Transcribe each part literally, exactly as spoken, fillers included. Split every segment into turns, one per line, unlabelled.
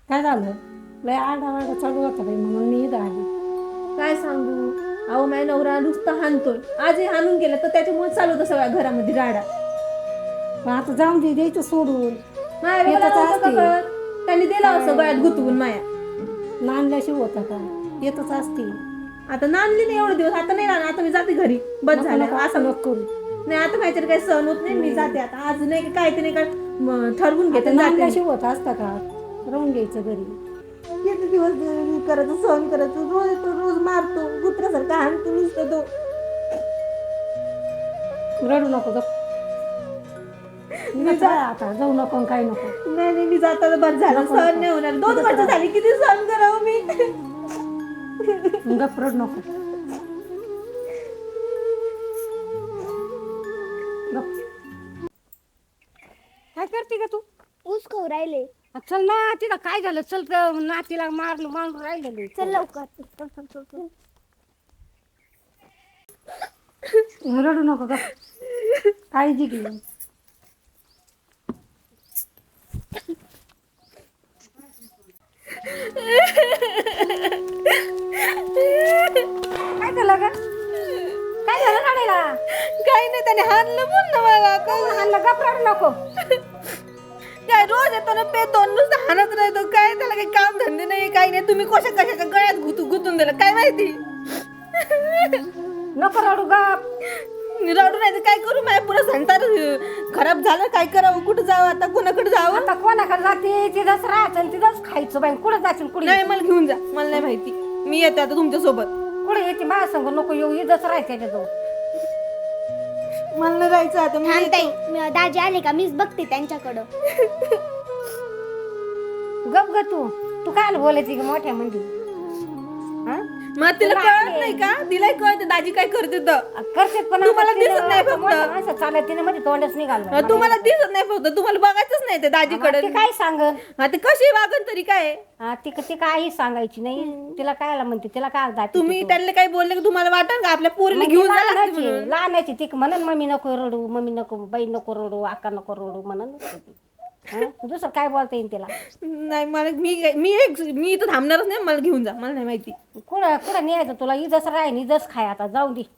काय झालं? लय आरडाओरडा चालू होता बाई, म्हणून मी इथं आली.
काय सांगू, अहो माझ्या नवरा नुसता हाणतोय. आजही हाणून गेला तर त्याच्यामुळे चालू होतं सगळ्या घरामध्ये राडा.
पण आता जाऊन दे, द्यायचं सोडून.
माया बोला
येतच
नव्हतं का
असते.
कळत, त्यांनी दिला असं गळ्यात गुतवून माया.
नांदल्याशिवाय होता का? येतच असते.
आता नांदली नाही एवढे दिवस, आता नाही राहणार, आता मी जाते घरी. बस
नको
झालं
नको
असं.
असं नको करू.
नाही आता काहीतरी काही सहन होत नाही, मी जाते आता. आज नाही काय ते नाही काय म, ठरवून घेते
आता
आणि जाते मी.
नांदल्याशिवाय होत असता का? राहून घ्यायचं घरी.
किती दिवस मी करायचं, सहन करायचं. रोज तो रोज मारतो कुत्र्यासारखा, हाणतो नुसतं तो.
रडू नको गप.
मी
गप
जा-
राहा आता, जाऊ नको आणि काही नको.
नाही नाही मी जाताना बस झालं,
नको,
सहन
नको.
नाही होणार. दोन
गप
वर्ष
राहा.
झाली, किती सहन करावं मी.
गप रडू नको. गप. काय करते का तू?
ऊस खाऊ राहिले.
चल ना, तिला काय झालं? चल ग, नातीला मारलं मारून राहिलेलं.
चल लवकर. चल, चल, चल, चल.
रडू नको गप. काळजी घे. काय झालं ग? काय झालं रडायला?
काही नाही, त्याने हाणलं बोल ना मला.
कोण हाणलं? गप रडू नको.
काय रोज येतो ना पेतो, नुसतं हाणत राहतो. काय त्याला काही काम धंदे नाही, काही नाही. तुम्ही कशा कशाच्या गळ्यात गुतू गुतून दिलं काय माहिती.
नको रडू गप.
रडू नाही तर काय करू, माझ्या पुरा संसार खराब झालं. काय करावं, कुठं जावं आता, कोणाकडे जावं.
आता कोणाकडे जाते? तिथंच राहायचं आणि तिथंच खायचं बाई. कुठं जायचं कुठे?
नाही मला घेऊन जा, मला नाही माहिती. मी येते आता तुमच्या सोबत.
कुठे येते माझ्या संग? नको येऊ, इथंच राहायचं त्याच्याजवळ.
मला नाही जायचं आता. मी
थांब ताई, मी- दाजी आले का मीच बघते त्यांच्याकडं.
गप ग तू. तू काय बोलायची ग मोठ्या म्हणजे? हा?
मग तिला कळत नाही का? तिलाही कळत दाजी काय करते तर.
करते पण
तुम्हाला
आता
दिसत
तिला
नाही
आता
फक्त.
मोठ्या माणसं चालत तिने मध्ये तोंडच निघालं.
तुम्हाला दिसत नाही फक्त, तुम्हाला बघायचंच नाही ते दाजीकडे.
ती काय सांगल?
आता कशी वागन तरी काय.
हा, ती ती काही सांगायची नाही. तिला काय म्हणते, तिला काय दाखवते
तुम्ही
तू?
त्यांना काही बोलले की तुम्हाला वाटत का आपल्या पोरीला
मग ती
घेऊन जायला लागते
लहानाची
म्हणून?
लहानाची ती म्हणून मम्मी नको रडू, मम्मी नको, बाई नको रडू, आका नको रडू म्हणून. दुसरं काय बोलता येईल तिला?
नाही मला मी मी एक मी इथं थांबणारच नाही. मला घेऊन जा, मला नाही माहिती.
कुठं कुठं न्यायचं तुला? इजस राह इजस खाय आता, जाऊ दे.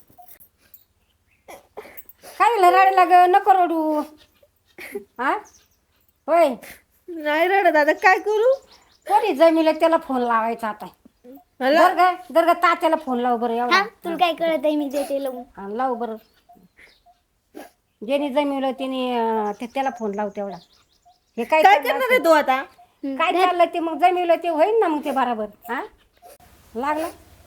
काय झालं रडायला ग? नको रडू. हा होय,
नाही रडत आता, काय करू.
कोणी जमिलं त्याला फोन लावायचा आता.
मला
जर का जर का तात्याला फोन लाव बरं एवढा.
हा तुला काय कळत आहे, मी देते लावून.
हा, लाव बरं. ज्याने जमिवलं त्याने अं, ते- त्याला फोन लाव तेवढा. हे काय
काय
चाललं
करणार आहे तो आता.
असं? काय चाललं ते मग जमिवलं ते होईल ना मग ते बरोबर. हा लागला.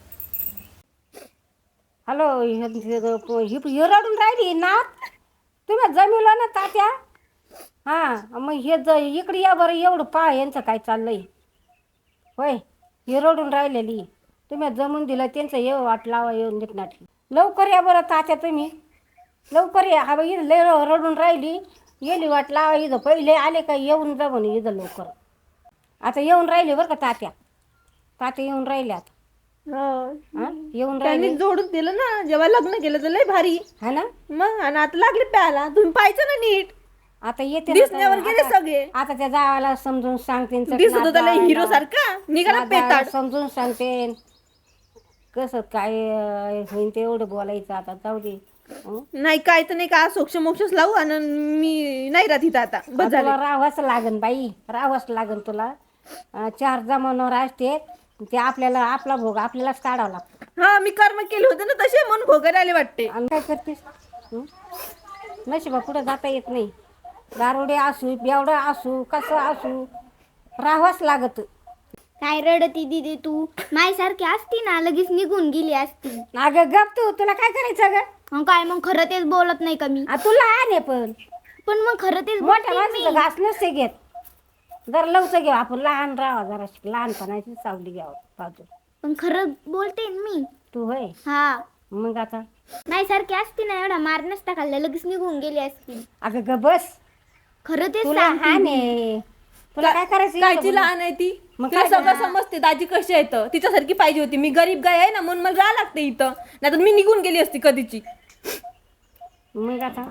हॅलो, हे रडून राहिली ना. तुम्ही जमिवलं ना तात्या. हा मग हे ज इकडे या बरं, एवढं पा यांचं काय चाललंय. होय, हे रडून राहिलेली. तुम्ही जमून दिलं त्यांचं ये वाट लावा येऊन देत नाही. लवकर या बरं तात्या तुम्ही, लवकर या. हा बाई लय रडून राहिली, गेली वाट लावा इथं. पहिले आले का येऊन जा म्हणे इथं लवकर. आता येऊन राहिले बरं का तात्या. तात्या येऊन राहिले आता. हा येऊन
त्यांनी
राहिले
जोडून दिलं ना, जेव्हा लग्न केलं तर लय भारी.
हा ना.
मग आणि आता लागले प्यायला. तुम्ही पाहायचं ना नीट.
आता येते ना
दिसण्यावर
आता-
गेले सगळे.
आता त्या जावाला समजून सांगते.
दिसत होता लय हिरो सारखा, निघाला पेताड.
समजून सांगते कसं काय अं, होईन ते एवढं बोलायचं. आता जाऊ दे. हं?
नाही काय तर नाही का, सोक्ष मोक्षच लावू आणि मी नाही राहत इथं आता. बस झालं.
तुला राहावंच लागन बाई, राहावंच लागन तुला. अं, चार जमानावर असते ते, आपल्याला आपला भोग आपल्यालाच काढावा लागतो.
हा मी कर्म केले होते ना तसे, म्हणून भोगायला आले वाटते.
आणि काय करतेस? हं? नशिबा पुढे जाता येत नाही. दारुडे असू, बेवडा असू, कसं असू, राहावंच लागत.
काय रडती दिदी तू? माझ्यासारखी असती ना लगेच निघून गेली असती.
अगं गप तू, तुला काय करायचं ग?
मग काय, मग खरं तेच बोलत नाही का मी?
आ, तुला आहे पण
पण मग खरं तेच
मोठ्या
बोलते मी.
माणसाचं घास नसते घेत. जरा लवचं घेऊ आपण, लहान राहा जरा, लहानपणाची सावली घ्यावं बाजू.
पण खरं बोलते ना मी.
तू होय,
हा,
मग आता
माझ्यासारखी असती ना एवढा मार नसता खाल्ला, लगेच निघून गेली असती.
अगं ग बस.
खरं तेच
तुला
सांगते
हा
मी.
ने तुला काय करायचं
कायची
इथं बोल.
लहान आहे ती.
मग
तिला
काय
सगळं
करणार?
समजते दाजी कशी आहे तर. तिच्यासारखी पाहिजे होती. मी गरीब गाय आहे ना, म्हणून मला राहा लागते इथं. नाही तर मी निघून गेली असती कधीची.
मग आता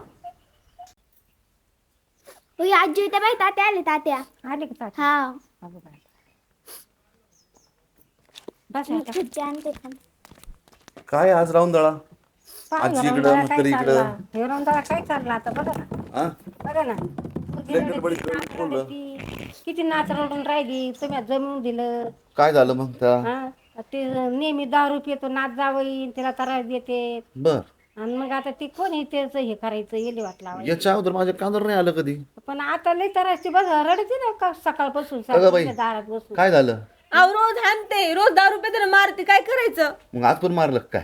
होय, आजी त्या बाई तात्या आले तात्या.
आले का तात्या?
हा
अगं बाई. बस आता.
खुर्ची आणते थांब.
काय आज राहून दळा
पाहा
आजी
ना,
इकडं,
रंधाळा
म्हातारी
काय
इकडं.
चालला. हे रंधाळा काय चालला आता बघा ना
हा
बघा ना
लय गडबडीत गडबडीत बोललं.
किती किती नाच रडून राहिली तुम्ही जमून दिलं.
काय झालं मग त्या
हा ते नेहमी दारू पितो नाच जावई तिला त्रास देते
बर
आणि मग आता ती कोणी त्याच हे करायचं येले वाट लावायचं.
याच्या अगोदर माझ्या कांदर नाही आलं कधी.
पण आता लई त्रास ती बघ रडते ना का सकाळपासून
अगं बाई.
सारखी दारात बसून.
काय झालं
अहो रोज हाणते रोज दारू रुपये मारते काय करायचं
मग आज पण मारलं का काय.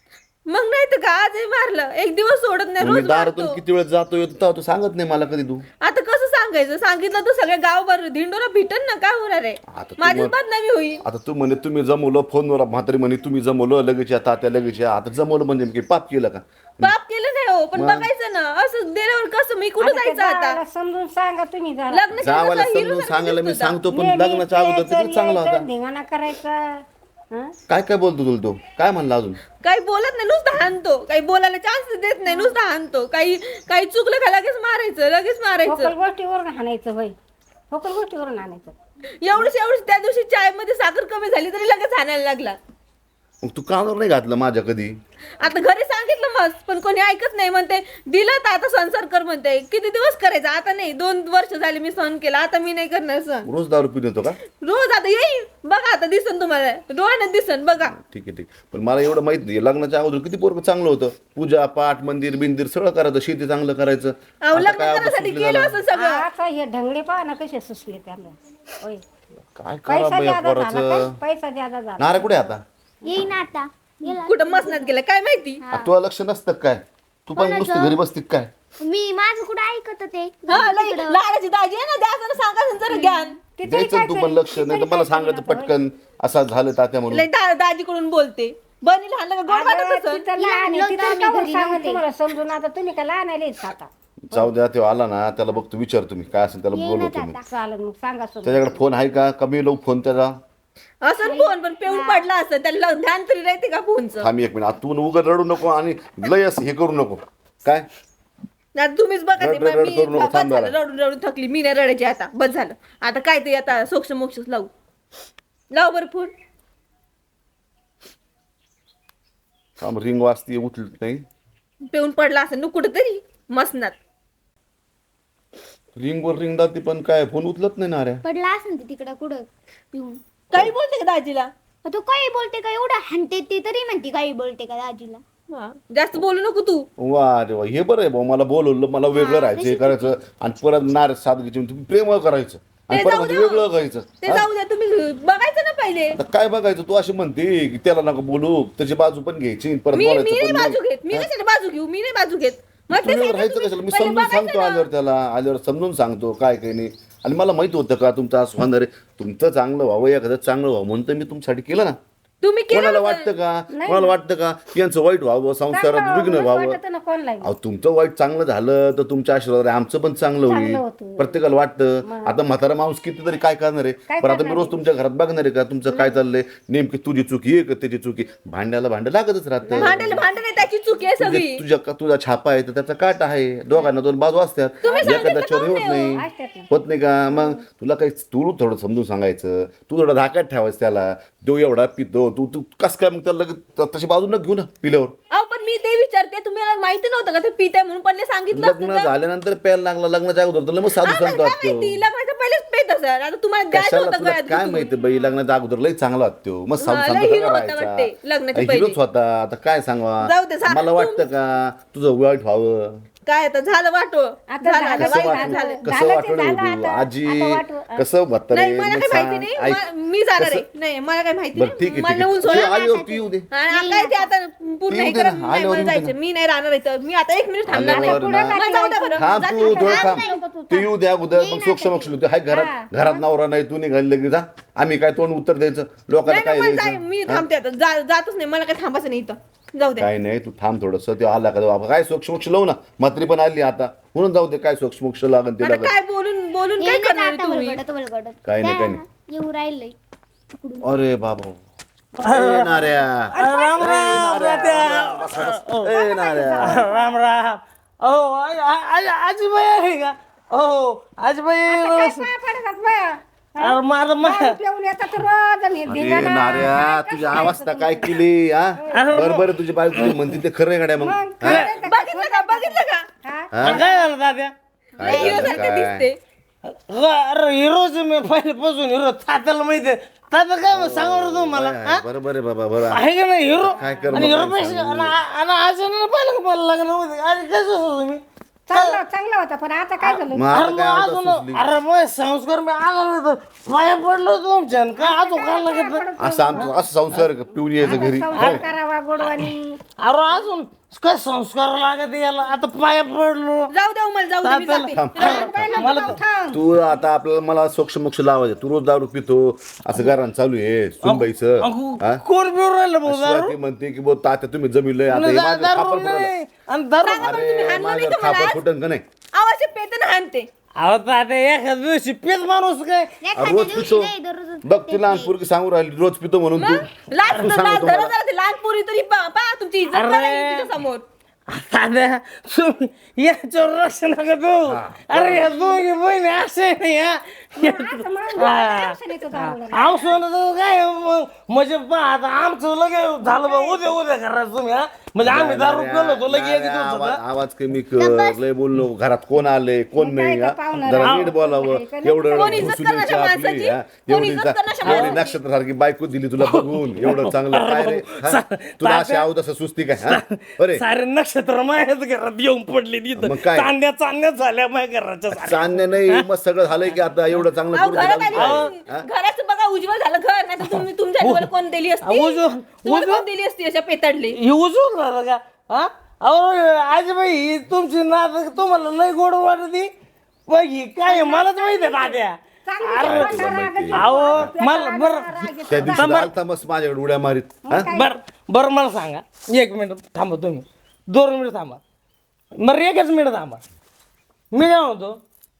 मग नाही तर का आजही मारलं एक दिवस सोडत नाही
मग मी
रोज
दारातून
मारतो.
किती वेळ जातो येतो तेव्हा तू सांगत नाही मला कधी तू.
आता कसं सांगायचं सांगितलं तर सगळ्या गावभर धिंडोरा भेटन ना काय होणार आहे
आता तू
माझीच
मग-
बदनामी होईल.
आता तू म्हणे तुम्ही जमवलं फोनवर म्हातारी म्हणे तुम्ही जमवलं लगेच या तात्या लगेच या. आता जमवलं म्हणजे मी काही पाप केलं का.
पाप केलं नाही हो पण बघायचं ना असं दिल्यावर कसं मी कुठं
आता त्या
जायचं आता
जावाला समजून सांगा तुम्ही जरा.
लग्न
जावाला समजून सांगायला मी सांगतो पण लग्नाच्या अगोदर तर चांगला होता.
धिंगाणा करायचा हं?
काय काय बोलतो तुला तो काय म्हणला अजून.
काही बोलत नाही नुसतं हाणतो काही बोलायला चान्स देत नाही नुसतं हाणतो काही काही चुकलं का लगेच मारायचं लगेच मारायचं
फोकल गोष्टीवरून हाणायचं बाई फोकल गोष्टीवरून हाणायचं.
एवढीच एवढीच त्या दिवशी चाय मध्ये साखर कमी झाली तरी लगेच हाणायला लागला.
मग तू कानावर नाही घातलं माझ्या कधी.
आता घरी सांगितलं मस्त पण कोणी ऐकत नाही म्हणते दिलं तर आता संसार कर म्हणते किती दिवस करायचं आता नाही दोन वर्ष झाले मी सहन केला आता मी नाही करणार सहन
रोज दारू पिऊन येतो का.
रोज आता येईल बघा आता दिसन तुम्हाला डोळ्यानं दिसन बघा.
ठीक आहे ठीक पण मला एवढं माहित नाही लग्नाच्या अगोदर किती पोरग चांगलं होतं पूजा पाठ मंदिर बिंदिर सगळं करायचं शेती चांगलं करायचं.
अहो
आता
लग्न
काय आता
करायसाठी
सुटली
केलं
झालं.
असं सगळं
आता हे ढंगळे पहा ना कसे सुचले त्यांना होय.
काय करा
पैसा
बाई या
ज्यादा झाला काय?
पोराचं.
पैसा ज्यादा झाला
नारे कुठे आता
येईन आता गेला.
कुठं मसनात गेलं काय माहिती.
आ, तुला लक्ष नसतं काय तू पण नुसतं घरी बसती काय.
मी माझं कुठं ऐकत ते
हा लई लाडाची दाजी आहे ना द्या सांगा जरा ज्ञान
तिथे
द्यायचं
काय
तू पण
करेल?
लक्ष नाही तर मला सांगायचं पटकन असं झालं तात्या म्हणून.
लई दा- दाजीकडून बोलते बनी लहान का गोड वाटत
अगं,
असेल.
तिथं लहान आहे,
लहान
तिथं
होतं,
काहून
आम्ही घरी
सांगू
नव्हते.
तुम्हाला समजून आता तुम्ही का लहान आले आता
जाऊ द्या तेव्हा आला ना त्याला बघतो विचार तुम्ही काय असेल त्याला
येईनच
बोलवतो मी.
आता.
चालेल मग सांगा समजून.
त्याच्याकडे फोन आहे का कमी लावू फोन त्याचा.
असं फोन पण पेऊन पडला असं त्याला ध्यान तरी राहते का फोनचं.
थांब एक मिनिट तू उगाच रडू नको आणि लय असं हे करू नको काय.
आता तुम्हीच बघा ते
रड- रड- रड
मी
करू नको,
बस
थांब
झालं
जरा.
रडून रडून थकली मी नाही रडायची आता बस झालं आता काय ते आता सोक्ष मोक्षच लावू लाव बरं फोन.
थांब रिंग वाजती उचल नाही.
पेऊन पडला असं नु कुठं तरी मसनात.
रिंग वर रिंग दाती पण काय फोन उचलत नाही ना रे.
पडला असं ते तिकडं कुठं पिऊन.
काही बोलते का दाजीला.
तो काही बोलते का एवढं हाणते ती तरी म्हणते काही बोलते का दाजीला.
हा, जास्त बोलू नको तू.
वा रे वा हे बरं आहे भाऊ मला बोलवलं मला वेगळं राहायचं हे करायचं आणि परत नार सादगीची तुम्ही प्रेम करायचं आणि
ते
परत
जाऊ
म्हणजे
द्या.
वेगळं करायचं.
ते जाऊ द्या तुम्ही बघायचं ना पहिले.
आता काय बघायचं तू अशी म्हणते की त्याला नका बोलू त्याची बाजू पण घ्यायची परत
मी मी
बोलायचं
नाही
पण
बाजू
नाही.
घेत मी कशाला बाजू घेऊ मी नाही बाजू घेत मग ते
तुम्ही
सांगा
राहायचं
तुम्ही.
कशाला मी
पहिले
समजून
बघायचं
सांगतो
ना.
आल्यावर त्याला आल्यावर समजून सांगतो काय काही नाही आणि मला माहित होतं का तुमचं असं होणार आहे तुमचं चांगलं व्हावं एखादं चांगलं व्हावं म्हणून तर मी तुमच्यासाठी केलं ना.
तुम्ही केलं
कोणाला
होतं.
वाटतं का कोणाला वाटतं का की यांचं वाईट व्हावं संसारात विघ्न व्हावं.
वाटत ना कोणला
अहो तुमचं वाईट चांगलं झालं तर तुमच्या आशीर्वाद आमचं पण चांगलं होईल
होतं.
प्रत्येकाला वाटतं. आता म्हातारा माणूस कितीतरी काय करणार आहे पण आता मी रोज तुमच्या घरात बघणार आहे का तुमचं काय चाललंय नेमकी तुझी चुकी आहे का त्याची चुकी भांड्याला भांडं लागतच राहतं.
भांडायला भांडण आहे त्याची चुकी आहे सगळी.
तुझे- तुझ्या तुझा छापा आहे तर त्याचा काट आहे दोघांना दोन बाजू असतात एखाद्याच्यावर होत नाही
असतात ना.
होत नाही का मग तुला काही तू थोडं समजून सांगायचं तू थोडं धाकात ठेवायचं त्याला तो एवढा पितो तू तू कस काय मग त्याला लगेच तशी बाजू न घेऊ ना पिल्यावर.
अहो पण मी ते विचारते तुम्हाला माहिती नव्हतं का ते पिताय म्हणून पहिले सांगितलं असतं
लग्न
तर.
झाल्यानंतर प्यायला लागला लग्नाच्या अगोदर तर मग साधू
आम्हाला
सांगतो
काय
वाटतो.
माहिती लग्नाच्या पहिलेच पेत असेल आता तुम्हाला द्यायचं
कशाला
होतं
तुला
गळ्यात
काय
गुंतवून.
माहिती बाई लग्नाच्या अगोदर लई चांगला वाटतो मग साधू
हा,
सांगतो
लई
का
hero होता वाटते, लग्नाच्या
करायचा
पहिले.
हिरोच होता आता काय सांगा
जाऊ दे, झालं
मला
तू-
वाटतं का तुझं वाईट व्हावं.
काय आता झालं वाटो
आता
झालं,
झालं,
कसं
वाईट
वाटलं
झालं.
कसं
झालं ते
वाटलं
झालं
तू
आता.
आजी
आता वाटलं.
कसं म्हातारे
नाही मला
मग
काही
सांग,
माहिती नाही
ऐक.
मा- मी जाणार आहे
कसं-
नाही मला काही माहिती
बरं ठीक आहे
मला
ठीक
नेऊन
आहे
सोडा.
तू आल्यावर तू येऊ दे
आणि काय ते आता पूर्ण
येऊ
हे
दे
करा
ना,
नाही
आल्यावर
मला
येऊ दे
जायचं मी नाही राहणार इथं मी आता एक मिनिट थांबणार नाही
आल्यावर ना
मला जाऊ द्या बरं
थांब
जाते
तू
का?
थोडं
थांब
थांब
नको तू,
तू येऊ द्या अगोदर मग सोक्ष मोक्ष होते हाय घरात घरात नवरा नाही तू निघाली लगेच जा आम्ही काय तोंड उत्तर द्यायचं लोकांना
नाही
काय
नाही, मला जाय-
द्यायचं
मी थांबते आता जा- जातच नाही मला काय थांबायचं नाही इथं जाऊ द्या
काय नाही तू थांब थोडस ते आला का बाबा काय सोक्ष मोक्ष लावू ना म्हात्री पण आली आता म्हणून जाऊ दे काय सोक्ष मोक्ष लागन ते
आता
लागन
काय बोलून बोलून काय
येईनच
करणार
आता
तुम्ही
बळबडत बळबडत.
काय नाही, काय
द्या, येऊ राहिलंय
अरे बाबा ए नाऱ्या
राम राम
ए नाऱ्या
राम राम ओ आजीबाई आहे का ओ आजीबाई
काय पाय पडतात बाया
अरे माझं मग
दारू पिऊन येतात रोज आणि
अरे
धिंगाणा.
नाऱ्या तुझी अवस्था काय केली हा बरोबर तुझी बायको तुझी म्हणते ते खरं आहे गाड्या मग
मग
हा?
काय ते-
बघितलं का बघितलं का
हा?
हा?
काय झालं दाद्या
काय
हिरो
झालं
सारखं
काय
दिसते
अरे हिरोच मी पहिल्यापासून हिरो तात्याला माहिती आहे तात्या काय मग सांगा बरं तुम्हाला
होय,
हा?
बरोबर आहे बाबा बरोबर
आहे का नाही हिरो
काय कर
आणि
मग
हिरो
काय
पैसे
सांगू?
आणि आज पाहिलं का मला लग्नामध्ये आणि कसं होतं तुम्ही
चांगला चांगला होता पण आता काय झालं
मग
अरे
आता
मग
काय होतं
अजून
सुचली?
अरे मग संस्कार मी आला नाही तर पाया पडलो तुमच्या आणि काय अजून काय लागत
असं आमचं असं संसार आहे का? पिऊन यायचं घरी
संसार करावा गोडवानी
अरे अजून काय संस्कार लागत याला आता पाया पडलो
जाऊ द्या मला जाऊ दे मी जाते.
तात्याला मला तर-
तू आता आपल्याला मला सोक्ष मोक्ष लावायचं तू रोज दारू पितो असं घरान चालू आहे सुनबाईचं
अगो,
हा?
कोण पिऊ राहिलं भाऊ दारू
शिवाय ती म्हणते की बो तात्या तुम्ही जमिलंय आता हे
दा-
माझं
दारू
खापर फुटलं.
नाही आणि दारू
अरे माझं खापर फुटन का नाही
आवाज पेतन हाणते
अहो तात्या एखाद्या दिवशी पेत माणूस काय
रोज पितो बघ ती लहान पोरगी सांगू राहिली रोज पितो म्हणून तू
लाज
तू
लाज
सांगतो
धरा
मला.
जरा ते लहान पोरी तरी पा पा तुमची इज्जत
अरे.
करायची तिच्या समोर
तात्या तुम्ही याच्यावर लक्ष नका देऊ अरे या दोघी बहिणी असे नाही हा आमचं काय मग म्हणजे पहा आता आमचं लगे झालं बा उद्या उद्या करायचं तुम्ही हा म्हणजे आम्ही दारू केलो तो लगे एक
अरे,
दिवस
आवाज
होता.
आवाज कमी कर लय बोललो घरात कोण आले कोण नाही हा?
पाहुणा
जरा नीट बोलावं एवढं
कोण इज्जत
घुसून यायची
करण्याच्या
आपली
माणसाची?
हा?
कोण
एवढी
इज्जत
चा-
करण्याच्या
एवढी
माणसाची?
नक्षत्र सारखी बायको दिली तुला बघून एवढं चांगलं काय रे हा? तुला अशी आव तसं सुस्ती काय हा? बरे
सारे नक्षत्र माझ्याच घरात येऊन पडले
मग
तिथं
काय?
चांद्या चांद्या झाल्या माझ्या घराच्या साऱ्या.
चांदण्या नाही मग सगळं झालंय की आता एवढं चांगलं
अहो,
करून
घरात
दिलं
आली
हा?
घराचं बघा उज्ज्वल झालं घर नाही तर तुम्ही तुमच्या डोळ्याला कोण दिली असती
उज्ज्वल-
तुम्हाला
उज्ज्वल-
कोण दिली असती अशा पेताडली
हे उजवून झालं का हा अहो आजीबाई ही तुमची नात तुम्हाला लय गोड वाटती पण ही काय आहे, मलाच माहिती आहे तात्या अहो मला बरं
त्या दिवशी आलता मस्त माझ्याकडे उड्या मारीत हा?
बर बरं मला सांगा एक मिनिट थांबा तुम्ही दोन मिनिट थांबा बरं एकच मिनिट थांबा मी काय म्हणतो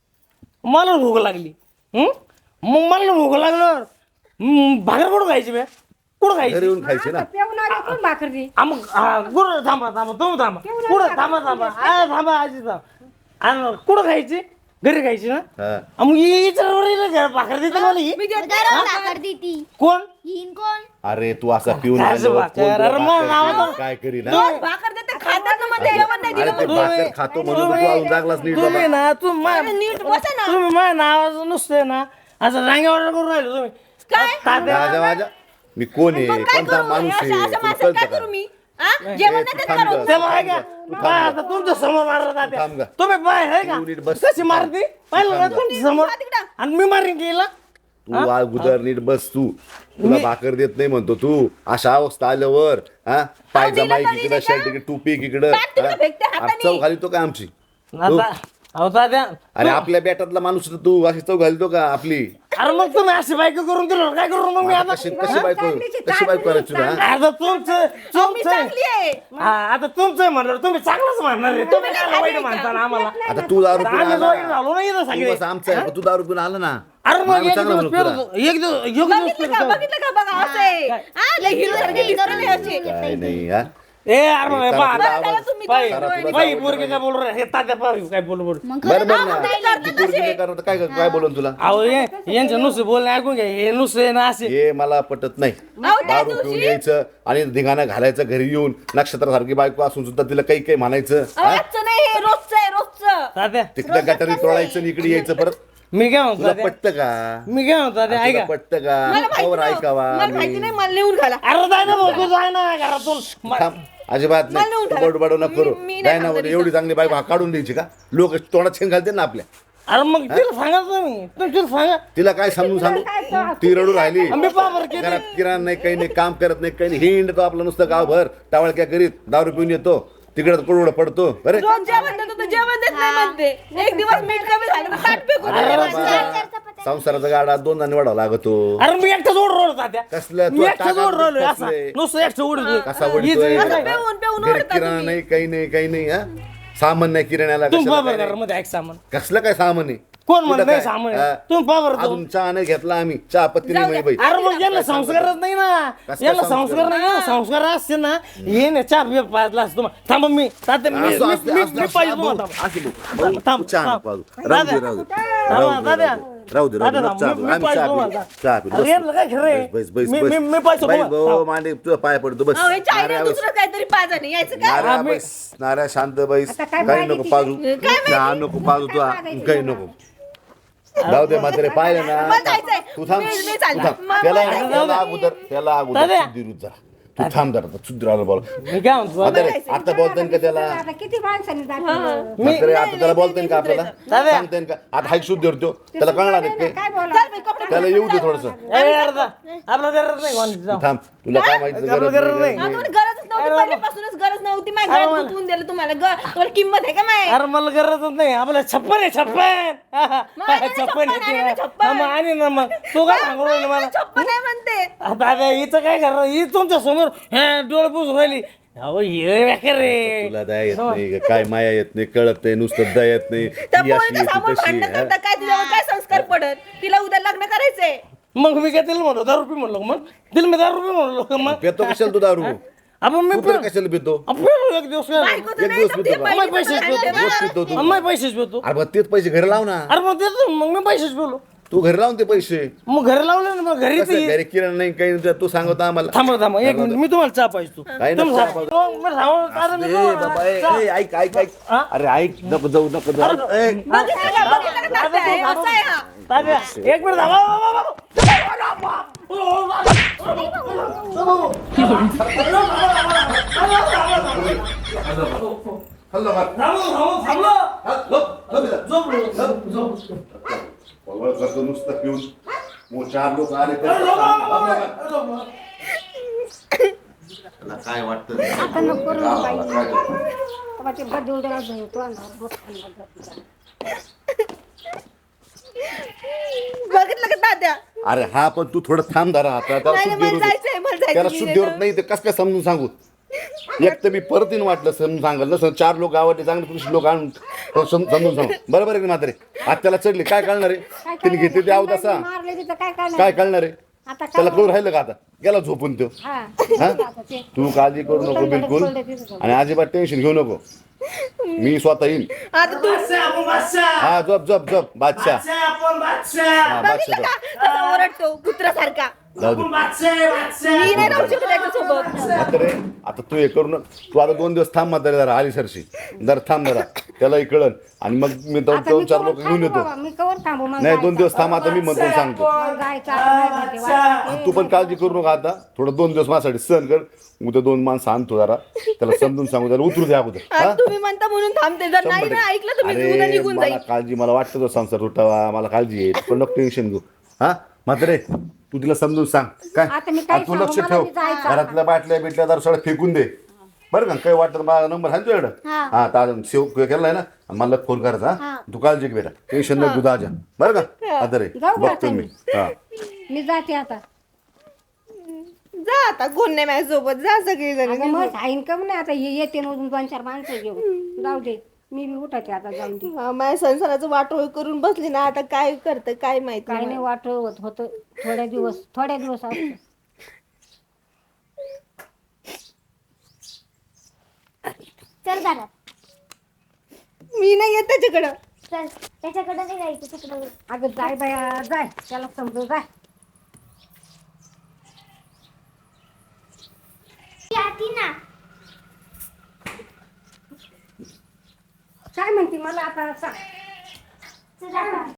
मला भूक लागली हं? मग मला भूक लागल्यावर हं, भाकर कुठं खायची बे कुठं
घरी
खायची
येऊन खायची ना
पिऊन आली कोण भाकर दे
आ, मग हा, कुठं थांबा थांबा तुम्ही थांबा कुठं थांबा थांबा आ, थांबा आजी थांबा आणि कुठं खायची घरी खायची ना
हा.
आ, मग विचार भाकर देते मला ही
मी देते.
भाकर देती
कोण
हिन कोण
अरे तू असा पिऊन
काय
आल्यावर
भाकर?
कोण तुला
अरे मग
भाकर
नाव
देईल? काय करील हा?
रोज भाकर देते खातात ना मध्ये जेवण नाही
अरे
दिलं
ते
म्हणून.
भाकर खातो म्हणून तर तू अजून जागलाच नीट
तुम्ही
बाबा
ना तू मा-
अरे नीट बसा ना
तुम्ही माझ्या नावाचं नुसतं ना असं रांगे ऑर्डर करून राहिले तुम्ही
काय
तात्या
राजा माझ्या मी कोण आहे
मग काय
कोणता
करू
माणूस आहे
अशा अशा
तुला
माणसाला
कळतं
काय
का?
करू मी हा? जेवण
ए,
नाही
तू
देत
थांब
का
गं.
रोज?
ते बघा का काय आता तुमच्या समोर मारलं
थांब
तात्या
गं.
तुम्ही पाय आहे का
तू नीट बस.
कशी मारती पाहिलं का तुमच्या समोर
जा तिकडं.
आणि मी मारीन गेला
तू अगोदर नीट बस तू तुला भाकर देत नाही म्हणतो तू अशा अवस्था आल्यावर हा पायजमा
दिलं
इकडं शर्ट इकडे टोपी इकडं
बॅग तिकडं फेकते हाताने.
चौ घाली तो का आमची
आता अहो तात्या
अरे आपल्या बेटातला माणूस तर तू अशी चौ घालतो का आपली
अरे मग तुम्ही अशी बायको करून दिलं काय करू मग मी आता
कशी कशी बायको कशी बायको करायची तुला हा?
आता तुमचं
अहो, मी
तुमचं
चांगली आहे
हा, आता तुमचं म्हणलं तुम्ही चांगलंच म्हणणार आहे तुम्ही
काय
काय वाईट
आहे का?
म्हणता ना आम्हाला
आता तू दारू पिऊन
आम्ही
आला
वाईट झालो नाही इथं
तू
सगळे
बस आमचा आहे तू दारू पिऊन आला ना
अरे मग
आम्ही
एक
चांगलं
दिवस
म्हणू तुला.
पेरतो एक दिवस एक दिवस
बघितलं का
पेरतो.
बघितलं का बघा असं आहे हा, लय हिरो सारखी दिसते ना अशी.
काय नाही हा
ए अरे मग
करा
पहा,
तुला
आता-
त्याला तुम्ही
बाई
करा तुला
बाई
आवडतं
पोरगे काय बोलू हे तात्या पाहू काय बोलू बोलू
मग
बरं बरं
हा,
ना
मग काय करतात
ती पोरगी नाही करत तर काय काय बोलून तुला
अहो हे यांचं नुसते बोलणे ऐकून घ्या हे नुसते ना असे
हे मला पटत नाही
अहो, त्या
दारू पिऊन यायचं आणि धिंगाणा घालायचं घरी येऊन नक्षत्रासारखी बायको असून सुद्धा तिला काही काही म्हणायचं
अहो, आजचं नाही हे रोजचं आहे रोजचं
तात्या
तिकडे गटारी तोडायचं आणि इकडे यायचं परत
मी काय म्हणतो
तुला
तात्या
पटतं का
मी काय म्हणतो तात्या
तुला
ऐका
पटतं
मला
का
माहिती
कवर
नाही.
ऐकावा
मला माहिती
आम्ही.
नाही मला लिहून घाला
अरे दादा भाऊ तू जाय ना घरातून म-
थांब अजिबात
मला
नाही
नेऊन
तू
ठेवा.
बडबड नको करू
मी- मी नाही
काय ना
थांबणार
एवढी चांगली बायको हा काढून द्यायची का लोक तोंडात शेंग घालते ना आपल्या
अरे मग तिला सांगा तुम्ही तुम्ही तिला सांगा
तिला काय समजून सांगू ती रडू राहिली
आम्ही पाबर केली
घरात किराणा नाही काही नाही काम करत नाही काही नाही हिंड तो आपलं नुसतं गावभर टावळ काय करीत दारू पिऊन येतो तिकडे कुरवड पडतो अरे
रोज जेवण देतो तर जेवण देत नाही म्हणते एक दिवस मीठ कमी झालं तर ताट फेकून
अरे
देते
बाबा,
माणसं.
संसाराचा गाडा दोन जणी वाढावा लागतो
अरे मी एकटाच ओढ राहिलो तात्या
कसलं
मी
तू
एकटाच
टाका
ओढ राहिलोय
कसलं
असा
आहे?
नुसतं एकटं ओढतोय
कसा
हिचं-
वडतोय
हिचं काय?
पेऊन- पेऊन
घरी
ओढता
किराणा
तुम्ही.
नाही काही नाही काही नाही हा सामान नाही किराण्याला
तुम्ही
कशाला
पाबर
काय नाही.
घरामध्ये ऐक सामान
कसलं काय सामान आहे
कोण
कुठं
म्हणत नाही
काय?
सामान
हा?
तुम्ही पाबर
अजून चहा नाही घेतला आम्ही चहा पत्ती नाही माही बाई
अरे मग यांना संस्कारच नाही ना
कसं
यांना
संस्कार?
संस्कार नाही ना संस्कार असते ना ये ना चहा बिया पाजला असतो मग थांबा मी तात्या मी
असं
मी-
असते-
मी-
असते-
मी पाहिजे
असते-
तुम्हाला
असते-
थांबा.
भाऊ,
थांब
तू चहा
थांब.
नको पाजू. राहू दे,
दादा
राहू दे.
थांबा,
राहू दे,
दादा
राहू दे. राहू दे राहू दे
दादा,
नको चहा
मी-
पिऊ.
मी
आम्ही
पाहिजे
चहा पिऊ.
तुम्हाला.
चहा पिऊ.
अरे यातलं काय खरं आहे?
बस बस
मी-
बस
मी- मी पाहिजे
बाई,
तुम्हाला.
भाऊ, मांडे तुझा पाय पडतो बस
अहो, हे चायना
नाऱ्या बस.
दुसरं काहीतरी पाजा नाही यायचं काय
नाऱ्या
आम्ही-
बस नाऱ्या शांत बैस
आता काय
काही
पाहिजे
नको
ती?
पाजू
काय
चहा नको पाजू तू काही नको जाऊ दे म्हातारे पाहिलं
मला
ना
जायचंय.
तू थांब
मी- मी
तू
चालले.
थांब.
मला
त्याला
जायचंय.
त्याला अगोदर त्याला अगोदर
दादा.
शुद्धीरूच जा तू थांब जरा शुद्धीराला बोल
मी काय म्हणतो
म्हातारे आता बोलताय का त्याला
आता किती माणसांनी जातील
म्हातारे आता त्याला बोलताय का आपल्याला
दादा.
सांगताय का आता हाईक शुद्ध तो त्याला कळणार आहे
काय
काय
बोला
त्याला येऊ दे थोडस
ए, अर्धा. आपलं गरज नाही कोणाची, जाऊ.
थांब तुला काय माहिती
आपलं
गरज
गरज
नाही,
नाही.
गरज
हा,
नाही.
तुम्हाला गरजच नव्हती पहिल्यापासूनच गरज नव्हती माझ्या
अरे
घरात
मला-
गुंतवून दिलं तुम्हाला ग- तुम्हाला किंमत आहे का माय
अरे मला गरजच नाही आपलं छप्पन आहे छप्पन
नाही,
छप्पन
छप्पन
आहे
आहे ना,
ते.
छप्पन.
हा, मग आणि ना मग तू काय सांगू राहिली मला
छप्पन आहे म्हणते
आता आता हिचं काय करणार ही तुमच्या समोर हे डोळे पुस राहिली अहो ये बेकार रे
तुला दया येत नाही काय माया येत नाही कळत नाही नुसतं दया येत नाही
त्या
ती अशी
पोरीच्या
आहे, ती
समोर
तशी
भांडण
आहे.
करता काय तिच्यावर काय संस्कार पडत तिला उद्या लग्न करायचंय
मग मी काय तिला म्हणलो दारू रुपये म्हणलो मग तिला मी दारू रुपये म्हणलो का मग
पितो कशाला तू दारू
आपण मी
तू तर कशाला पितो
आपण एक दिवस काय
बायको तर
एक
नाही
दिवस
तर ती
पितो का?
बाई
अम्माई पैसेच
तिथं
पितो
राहते
रोज
ना.
पितो तू
अम्माई पैसेच पितो
अरे मग तेच पैसे घरी लाव ना
अरे मग देतो मग मी पैसेच पिलो
तू घरी लावून ते पैसे
मग घरी लावले ना मग घरी
कसं
ते
घरी किराणा नाही काही नाही, तू सांगतो आम्हाला
थांबा थांबा एक मिनिट मी तुम्हाला चहा पाहिजे तू
काय
तुम्ही
नको
सांगा. मग मी सांगू, आता मी
ए बाबा ए,
तुम्हाला
ए, ऐक ऐक ऐक
हा?
अरे ऐक नको जाऊ नको जाऊ ए,
बघितलं का? बघितलं का तात्या? हे असं आहे हा.
तात्या, एक मिनिट थांबा बाबा, बाबा.
हल्लो मार.
थांबलो, थांबलो, थांबलो.
हा, झोप, झोप इथं.
झोपलो, झोपलो.
वळवळ करतो नुसतं पिऊन मग चार लोक आले तर
झोपलो,
आपल्याला
झोपलो.
काय वाटतं
आता नको करू ना बाई.
काय करतो?
तेव्हा ते बदलून होतो आणि
बघितलं का तात्या
अरे हा पण तू थोडं थांब धरा आता त्याला
नाही,
शुद्धीवर
मला जायचंय, मला जायचंय.
त्याला
मी
शुद्धीवर
येतो.
नाही ते कस काय समजून सांगू एक तर मी परत येईन वाटलं समजून सांगाल नसं चार लोक आवडले चांगले पुरुष लोक आणून सम- समजून सांगू बरोबर आहे की म्हातारे आज त्याला चढले काय कळणार आहे तिने घेतले ते आहोत असा
मारले तिथं काय करणार
काय कळणार आहे
आता काय
त्याला कळून राहिलं का आता गेला झोपून तो
हा
हा
आता ते
तू काळजी करू नको बिलकुल आणि अजिबात टेन्शन घेऊ नको मी स्वतः येईन
आता तू
बादशाह, आपण बादशाह.
हा झोप झोप झोप बादशाह
बादशाह, आपण बादशाह.
हा
बघितलं
बादशाह
का कसा ओरडतो कुत्र्यासारखा
जाऊ दे
आपण बादशाह, बादशाह.
मी नाही राहू शकत त्याच्यासोबत
म्हातारे आता तू हे करू न तू आता दोन दिवस थांब म्हातारे जरा आली सरशी जरा थांब जरा त्यालाही कळन आणि मग मी दोन
आता
दोन
मी
चार
कवर
लोक घेऊन
थांबू
येतो
बाबा, मी कवर थांबू मला
नाही दोन
जायचं.
दिवस थांब आता मी म्हणतो सांगतो
मला जायचं आता नाही माहिती वाटतं.
तू पण काळजी करू नका आता थोडं दोन दिवस माझ्यासाठी सहन कर उद्या दोन माणसं आणतो जरा त्याला समजून सांगू त्याला उतरू द्या अगोदर
आज
हा?
तुम्ही म्हणता म्हणून थांबते जर नाही
शंभर
ना
टक्के.
ऐकलं तुम्ही उद्या
अरे
निघून
मला
जाईल
काळजी मला वाटतं तो संसार तुटावा मला काळजी आहे पण नको टेन्शन घेऊ हा म्हातारे तू तिला समजून सांग काय
आता मी काय
आणि तू लक्ष
सांगू?
ठेव
मला बी जायचं.
घरातल्या बाटल्या बिटल्या दारू सगळं फेकून दे बरं का काही वाटतं मला नंबर आहे ना तुझ्याकडं
हा.
हा तर सेव केलाय ना आणि मला फोन करायचा हा तू काळजी घे बेटा टेन्शन नको तू आजा बरं का आता रे
जाऊ का
बघतो
आता
मी
मी?
हा
मी जाते आता
जा आता कोण नाही माझ्यासोबत जा सगळी
अगं
जण
मग आईन कम नाही आता हे येते मधून दोन चार माणसं घेऊन जाऊ दे मी बी उठाते आता जाऊन दे
माझ्या संसाराचं वाटोळ करून बसली ना आता काय करतं काय माहिती
काय नाही वाटत होतं थोड्या दिवस थोड्या दिवस असतं
चल घरात
मी नाही येत त्याच्याकडं
चल त्याच्याकडे नाही जायचं तिकडे
अगं जाय बाया जाय त्याला समजू जाय
ती ना
काय म्हणते मला आता सांग
चल आता